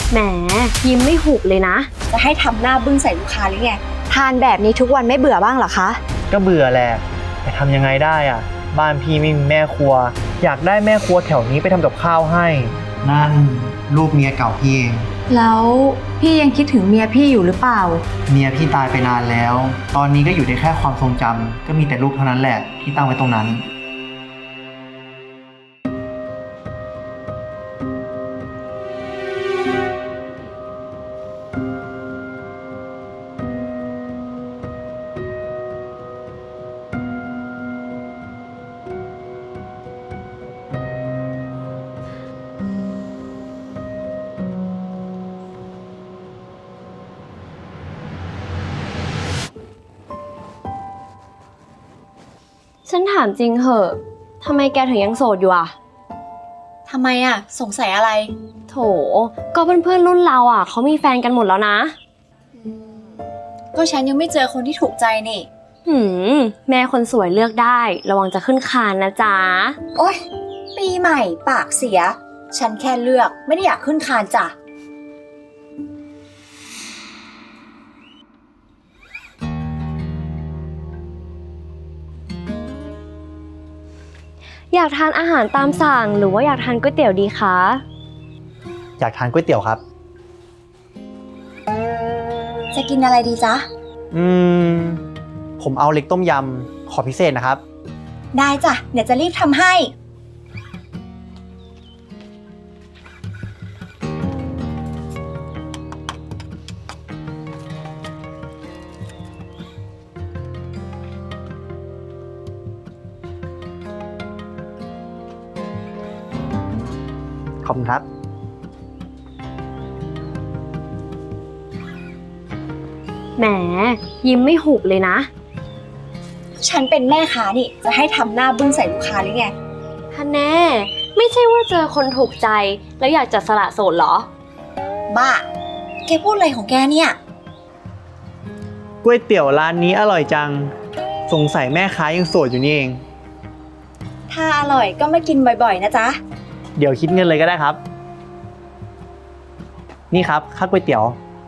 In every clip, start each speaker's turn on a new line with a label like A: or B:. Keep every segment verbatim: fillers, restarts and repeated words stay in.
A: แหมยิ้มไม่หุบเลยนะ
B: จะให้ทำหน้าบึ้งใส่ลูกค้าหรือไง
C: ทานแบบนี้ทุกวันไม่เบื่อบ้างเหรอคะ
D: ก็เบื่อแหละแต่ทำยังไงได้อ่ะบ้านพี่ไม่มีแม่ครัวอยากได้แม่ครัวแถวนี้ไปทำกับข้าวให้นั่นลูกเมียเก่าพี่เอง
C: แล้วพี่ยังคิดถึงเมียพี่อยู่หรือเปล่า
D: เมียพี่ตายไปนานแล้วตอนนี้ก็อยู่ในแค่ความทรงจำก็มีแต่ลูกเท่านั้นแหละที่ตั้งไว้ตรงนั้น
A: ฉันถามจริงเหอะทำไมแกถึงยังโสดอยู่อ่ะ
B: ทำไมอ่ะสงสัยอะไร
A: โถก็เพื่อนๆรุ่นเราอ่ะเขามีแฟนกันหมดแล้วนะ
B: ก็ฉันยังไม่เจอคนที่ถูกใจนี่
A: หืมแม่คนสวยเลือกได้ระวังจะขึ้นคานนะจ๊ะ
B: โอ๊ยปีใหม่ปากเสียฉันแค่เลือกไม่ได้อยากขึ้นคานจ้ะ
A: อยากทานอาหารตามสั่งหรือว่าอยากทานก๋วยเตี๋ยวดีคะ
D: อยากทานก๋วยเตี๋ยวครับ
B: จะกินอะไรดีจ๊ะ
D: อืมผมเอาเล็กต้มยำขอพิเศษนะครับ
B: ได้จ้ะเดี๋ยวจะรีบทำให้
D: ขอบคุณครับ
A: แหมยิ้มไม่หุบเลยนะ
B: ฉันเป็นแม่ค้านี่จะให้ทำหน้าบึ้งใส่ลูกค้าหรือไง
A: ท่านแน่ไม่ใช่ว่าเจอคนถูกใจแล้วอยากจะสละโสดเหรอ
B: บ้าแกพูดอะไรของแกเนี่ย
D: ก๋วยเตี๋ยวร้านนี้อร่อยจังสงสัยแม่ค้ายังโสดอยู่นี่เอง
B: ถ้าอร่อยก็มากินบ่อยๆนะจ๊ะ
D: เดี๋ยวคิดเงินเลยก็ได้ครับนี่ครับค่าก๋วยเตี๋ยว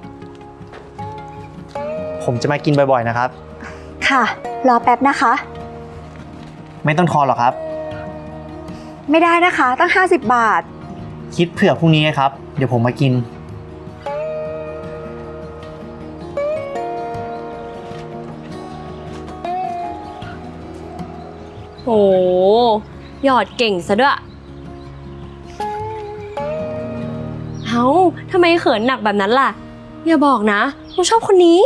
D: ผมจะมากินบ่อยๆนะครับ
C: ค่ะรอแป๊บนะคะ
D: ไม่ต้องทอนหรอกครับ
C: ไม่ได้นะคะตั้งห้าสิบบาท
D: คิดเผื่อพรุ่งนี้ครับเดี๋ยวผมมากิน
A: โหหยอดเก่งซะด้วยเฮ้าทำไมเขินหนักแบบนั้นล่ะอย่าบอกนะว่าชอบคนนี้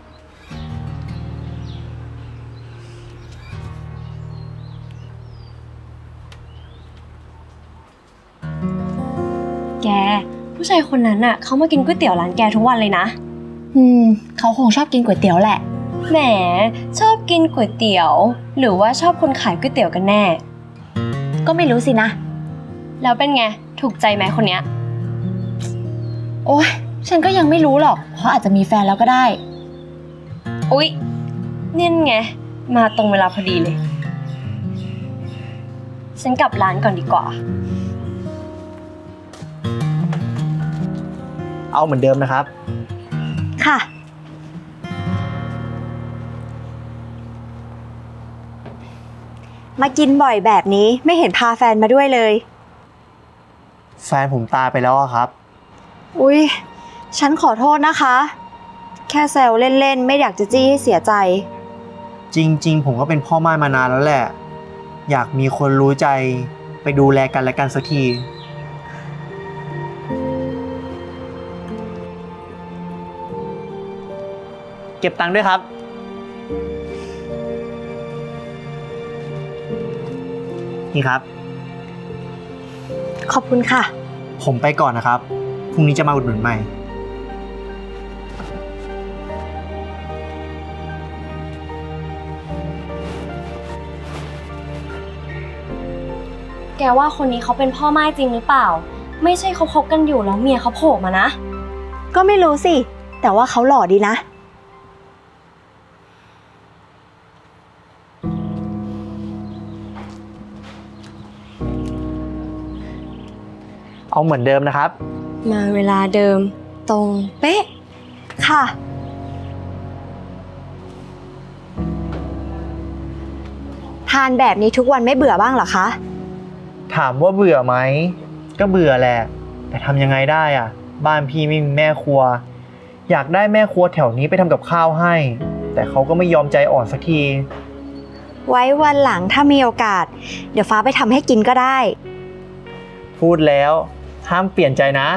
A: แกผู้ชายคนนั้นน่ะเขามากินก๋วยเตี๋ยวร้านแกทุกวันเลยนะ
C: อืมเขาคงชอบกินก๋วยเตี๋ยวแหละ
A: แหมชอบกินก๋วยเตี๋ยวหรือว่าชอบคนขายก๋วยเตี๋ยวกันแน่
C: ก็ไม่รู้สินะ
A: แล้วเป็นไงถูกใจไหมคนเนี้ย
C: โอ๊ยฉันก็ยังไม่รู้หรอกเขาอาจจะมีแฟนแล้วก็ได้
A: อุ๊ยนี่ไงมาตรงเวลาพอดีเลยฉันกลับร้านก่อนดีกว่า
D: เอาเหมือนเดิมนะครับ
C: ค่ะมากินบ่อยแบบนี้ไม่เห็นพาแฟนมาด้วยเลย
D: แฟนผมตายไปแล้วครับ
C: อุ๊ยฉันขอโทษนะคะแค่แซวเล่นๆไม่อยากจะจี้ให้เสียใจ
D: จริงๆผมก็เป็นพ่อม่ายมานานแล้วแหละอยากมีคนรู้ใจไปดูแลกันและกันสักทีเก็บตังค์ด้วยครับนี่ครับ
C: ขอบคุณค่ะ
D: ผมไปก่อนนะครับพรุ่งนี้จะมาอุดหนุนใหม่
A: แกว่าคนนี้เขาเป็นพ่อม่ายจริงหรือเปล่าไม่ใช่เขาคบกันอยู่แล้วเมียเขาโผล่มานะ
C: ก็ไม่รู้สิแต่ว่าเขาหล่อดีนะ
D: เอาเหมือนเดิมนะครับ
A: มาเวลาเดิม ตรงเป๊ะ
C: ค่ะ ทานแบบนี้ทุกวันไม่เบื่อบ้างเหรอคะ
D: ถามว่าเบื่อไหมก็เบื่อแหละแต่ทำยังไงได้อ่ะ บ้านพี่ไม่มีแม่ครัว อยากได้แม่ครัวแถวนี้ไปทำกับข้าวให้ แต่เขาก็ไม่ยอมใจอ่อนสักที
C: ไว้วันหลังถ้ามีโอกาส เดี๋ยวฟ้าไปทำให้กินก็ได้
D: พูดแล้วห้ามเปลี่ยนใจนะ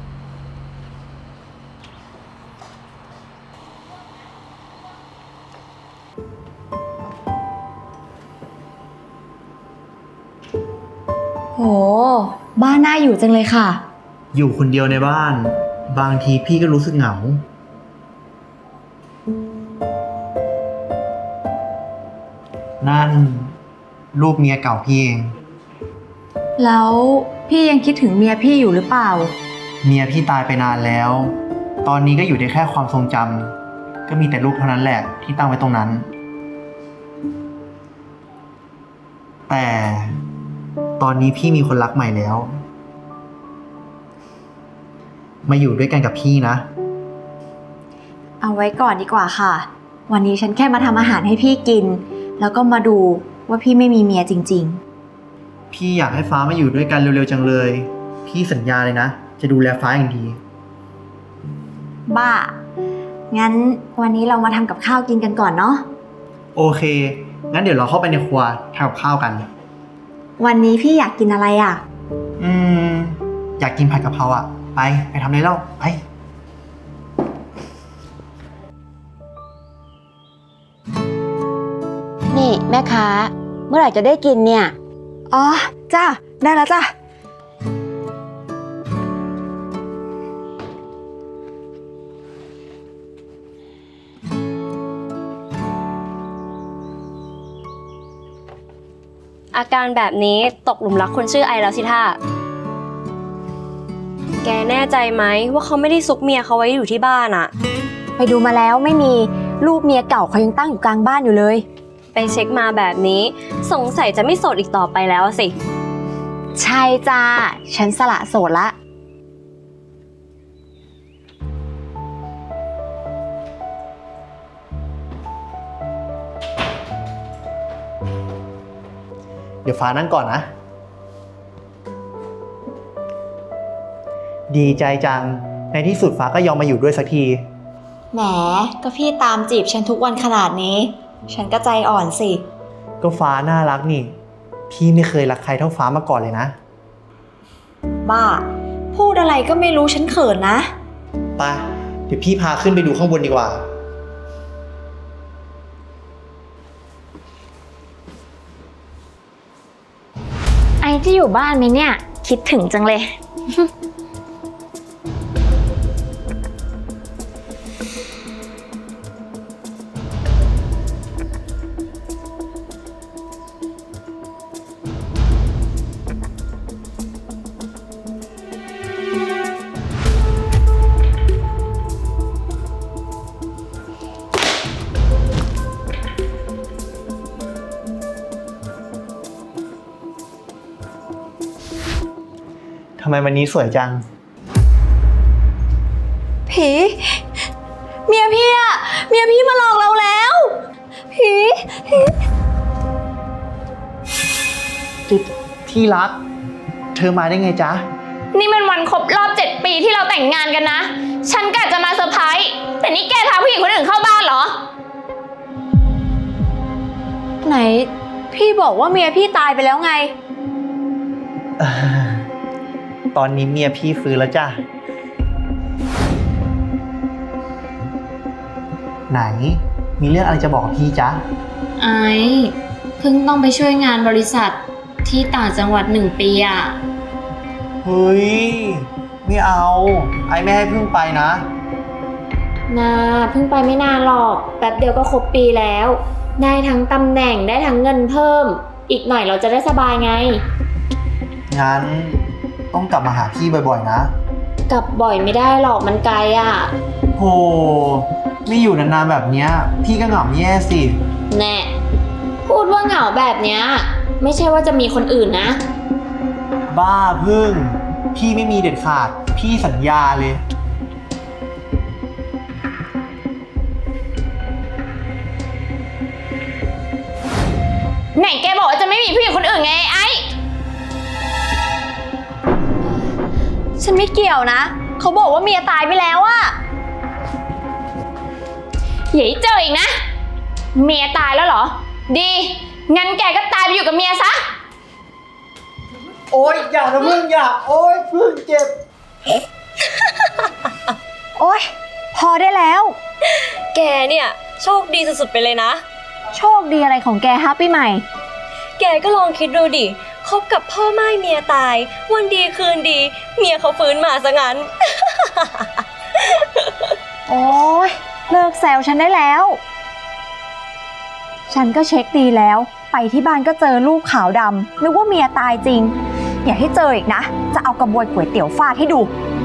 B: โห บ้านน่าอยู่จังเลยค่ะ
D: อยู่คนเดียวในบ้าน บางทีพี่ก็รู้สึกเหงา นั่นรูปเมียเก่าพี่เอง
B: แล้วพี่ยังคิดถึงเมียพี่อยู่หรือเปล่า
D: เมียพี่ตายไปนานแล้ว ตอนนี้ก็อยู่ได้แค่ความทรงจำก็มีแต่รูปเท่านั้นแหละที่ตั้งไว้ตรงนั้น แต่ตอนนี้พี่มีคนรักใหม่แล้ว มาอยู่ด้วยกันกับพี่นะ
C: เอาไว้ก่อนดีกว่าค่ะ วันนี้ฉันแค่มาทำอาหารให้พี่กิน แล้วก็มาดูว่าพี่ไม่มีเมียจริง
D: พี่อยากให้ฟ้ามาอยู่ด้วยกันเร็วๆจังเลย พี่สัญญาเลยนะ จะดูแลฟ้าอย่างดี
C: ๆ บ้า งั้นวันนี้เรามาทำกับข้าวกินกันก่อนเนาะ
D: โอเค งั้นเดี๋ยวเราเข้าไปในครัวทำกับข้าวกัน
C: วันนี้พี่อยากกินอะไรอ่ะ
D: อืม อยากกินผัดกะเพราอ่ะ ไป ไปทำเลยแล้วไป
E: นี่แม่ค้าเมื่อไหร่จะได้กินเนี่ย
C: อ๋อ จ้า ได้แล้วจ้า
A: อาการแบบนี้ตกหลุมรักคนชื่อไอแล้วสิท่าแกแน่ใจไหมว่าเขาไม่ได้ซุกเมียเขาไว้อยู่ที่บ้านอะ
C: ไปดูมาแล้วไม่มีรูปเมียเก่าเขายังตั้งอยู่กลางบ้านอยู่เลย
A: ไปเช็คมาแบบนี้สงสัยจะไม่โสดอีกต่อไปแล้วสิ
C: ใช่จ้า ฉันสละโสดละ
D: เดี๋ยวฟ้านั่งก่อนนะ ดีใจจัง ในที่สุดฟ้าก็ยอมมาอยู่ด้วยสักที
C: แหม ก็พี่ตามจีบฉันทุกวันขนาดนี้ ฉันก็ใจอ่อนสิ
D: ก็ฟ้าน่ารักนี่ พี่ไม่เคยรักใครเท่าฟ้ามาก่อนเลยนะ
C: บ้า พูดอะไรก็ไม่รู้ฉันเขินนะ
D: ไป เดี๋ยวพี่พาขึ้นไปดูข้างบนดีกว่า
E: ไอที่อยู่บ้านไหมเนี่ย คิดถึงจังเลย
D: ทำไมวันนี้สวยจัง
C: ผี เมียพี่อะเมียพี่มาหลอกเราแล้ว ผี
D: ที่รัก เธอมาได้ไงจ๊ะ
F: นี่มันวันครบรอบเจ็ดปีที่เราแต่งงานกันนะ ฉันกะจะมาเซอร์ไพรส์ แต่นี่แกพาผู้หญิงคนอื่นเข้าบ้านเหรอ
C: ไหน พี่บอกว่าเมียพี่ตายไปแล้วไง
D: ตอนนี้เมียพี่ฟื้นแล้วจ้ะ ไหน มีเรื่องอะไรจะบอกกับพี่จ๊ะ
F: ไอ้เพิ่งต้องไปช่วยงานบริษัทที่ต่างจังหวัดหนึ่งปีอะ
D: เฮ้ย ไม่เอา ไอไม่ให้เพิ่งไปนะ
F: นาเพิ่งไปไม่นานหรอก แป๊บเดียวก็ครบปีแล้ว ได้ทั้งตำแหน่งได้ทั้งเงินเพิ่ม อีกหน่อยเราจะได้สบายไง
D: งั้นต้องกลับมาหาพี่บ่อยๆนะ
F: กลับบ่อยไม่ได้หรอกมันไกลอะ
D: โห ไม่อยู่นานๆแบบเนี้ย พี่ก็เหงาแย่สิ
F: แน่ พูดว่าเหงาแบบเนี้ยไม่ใช่ว่าจะมีคนอื่นนะ
D: บ้าพึ่ง พี่ไม่มีเด็ดขาดพี่สัญญาเลย
F: ไหนแกบอกว่าจะไม่มีผู้หญิงคนอื่นไงไอ้
C: ฉันไม่เกี่ยวนะ เขาบอกว่าเมียตายไปแล้วอะ
F: อย่าให้เจออีกนะ เมียตายแล้วเหรอ ดี งั้นแกก็ตายไปอยู่กับเมียซะ
D: โอ๊ยอย่านะพึ่งอย่า โอ๊ยพึ่งเจ็บ
C: โอ๊ย พอได้แล้ว
A: แกเนี่ยโชคดีสุดๆไปเลยนะ
C: โชคดีอะไรของแกฮะปีใหม่
A: แกก็ลองคิดดูดิคบกับพ่อไม้เมียตาย วันดีคืนดี เมียเขาฟื้นมาซะงั้น
C: โอ๊ย เลิกแซวฉันได้แล้ว ฉันก็เช็คดีแล้ว ไปที่บ้านก็เจอรูปขาวดำนึกว่าเมียตายจริง อย่าให้เจออีกนะ จะเอากระบวยก๋วยเตี๋ยวฟาดให้ดู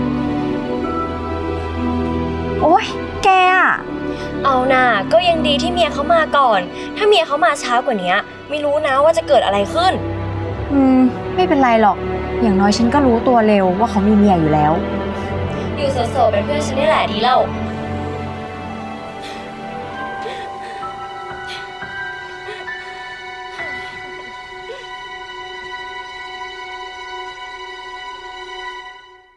C: โอ๊ย แกอะ
A: เอาน่ะก็ยังดีที่เมียเขามาก่อน ถ้าเมียเขามาช้ากว่านี้ไม่รู้นะว่าจะเกิดอะไรขึ้น
C: อืม ไม่เป็นไรหรอก อย่างน้อยฉันก็รู้ตัวเร็วว่าเขามีเมียอยู่แล้ว
A: อยู่โสดๆเป็นเพื่อนฉันนี่แหละดีแล้ว